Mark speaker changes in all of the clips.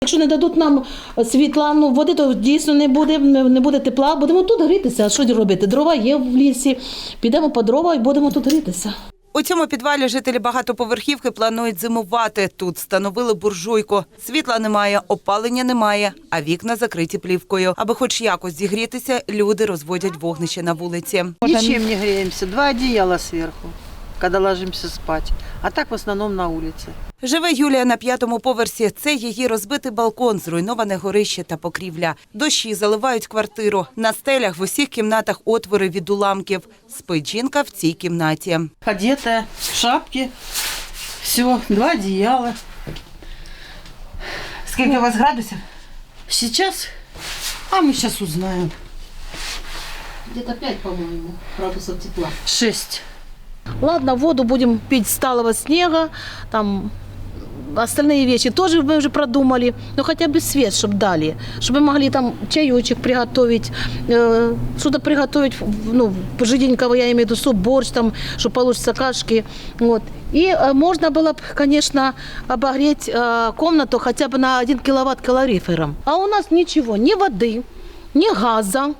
Speaker 1: Якщо не дадуть нам світла, води, то дійсно не буде тепла. Будемо тут грітися. А що робити? Дрова є в лісі. Підемо по дрова і будемо тут грітися.
Speaker 2: У цьому підвалі жителі багатоповерхівки планують зимувати. Тут встановили буржуйку. Світла немає, опалення немає, а вікна закриті плівкою. Аби хоч якось зігрітися, люди розводять вогнище на вулиці.
Speaker 3: Ничем не греемся. 2 одеяла сверху, когда ложимся спать. А так в основном на улице.
Speaker 2: Живе Юлія на 5-му поверсі. Це її розбитий балкон, зруйноване горище та покрівля. Дощі заливають квартиру. На стелях в усіх кімнатах отвори від уламків. Спить жінка в цій кімнаті.
Speaker 3: Одетая, в шапке. Все, 2 одеяла.
Speaker 2: Скільки у вас градусів?
Speaker 3: Сейчас, а мы сейчас узнаем.
Speaker 1: Где-то 5, по-моему, градусов тепла.
Speaker 3: 6.
Speaker 1: Ладно, воду будем пить с талого снега, там остальные вещи тоже мы уже продумали, но хотя бы свет, чтобы дали, чтобы мы могли там чаечек приготовить, что-то приготовить, пожиденького, я имею в виду суп, борщ, там, чтобы получится кашки, вот. И можно было бы, конечно, обогреть комнату хотя бы на 1 киловатт калорифером. А у нас ничего, ни воды, ни газа,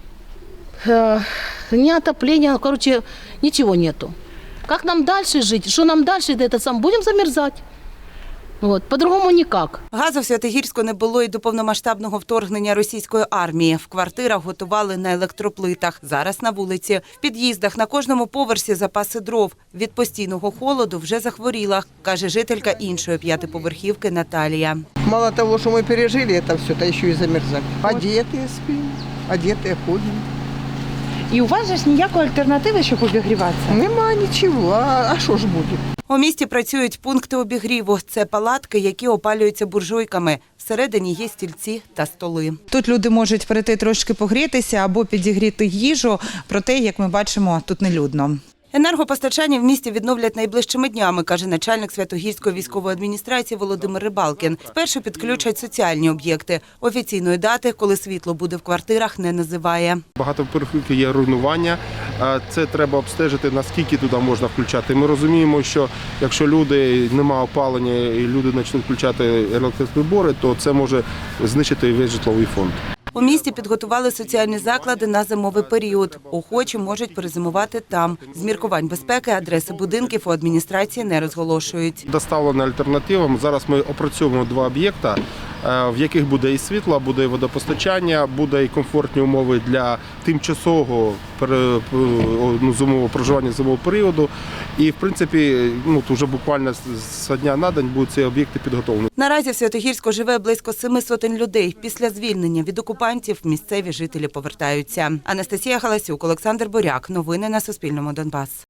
Speaker 1: ни отопления, короче, ничего нету. Как нам дальше жить? Что нам дальше? Будем замерзать. Вот. По-другому никак.
Speaker 2: Газу в Святогірську не було і до повномасштабного вторгнення російської армії. В квартирах готували на електроплитах. Зараз на вулиці. В під'їздах на кожному поверсі запаси дров. Від постійного холоду вже захворіла, каже жителька іншої 5-поверхівки Наталія.
Speaker 4: Мало того, что мы пережили это все, то еще и замерзать. Одетые спим, одетые ходим.
Speaker 5: І у вас же ж ніякої альтернативи, щоб обігріватися?
Speaker 4: Нема ничего, а що ж буде?
Speaker 2: У місті працюють пункти обігріву. Це палатки, які опалюються буржуйками. Всередині є стільці та столи.
Speaker 6: Тут люди можуть прийти трошки погрітися або підігріти їжу, проте, як ми бачимо, тут нелюдно.
Speaker 2: Енергопостачання в місті відновлять найближчими днями, каже начальник Святогірської військової адміністрації Володимир Рибалкін. Спершу підключать соціальні об'єкти. Офіційної дати, коли світло буде в квартирах, не називає.
Speaker 7: Багатоповерхівки є руйнування. Це треба обстежити, наскільки туди можна включати. Ми розуміємо, що якщо немає опалення і люди почнуть включати електроприбори, то це може знищити весь житловий фонд.
Speaker 2: У місті підготували соціальні заклади на зимовий період. Охочі можуть перезимувати там. З міркувань безпеки адреси будинків у адміністрації не розголошують.
Speaker 7: Доставлена альтернатива. Зараз ми опрацьовуємо 2 об'єкта, в яких буде і світло, буде і водопостачання, буде і комфортні умови для тимчасового зимового проживання зимового періоду. І, в принципі, вже буквально з дня на день будуть ці об'єкти підготовлені.
Speaker 2: Наразі в Святогірську живе близько 700 людей. Після звільнення від окупантів місцеві жителі повертаються. Анастасія Галасюк, Олександр Боряк. Новини на Суспільному. Донбас.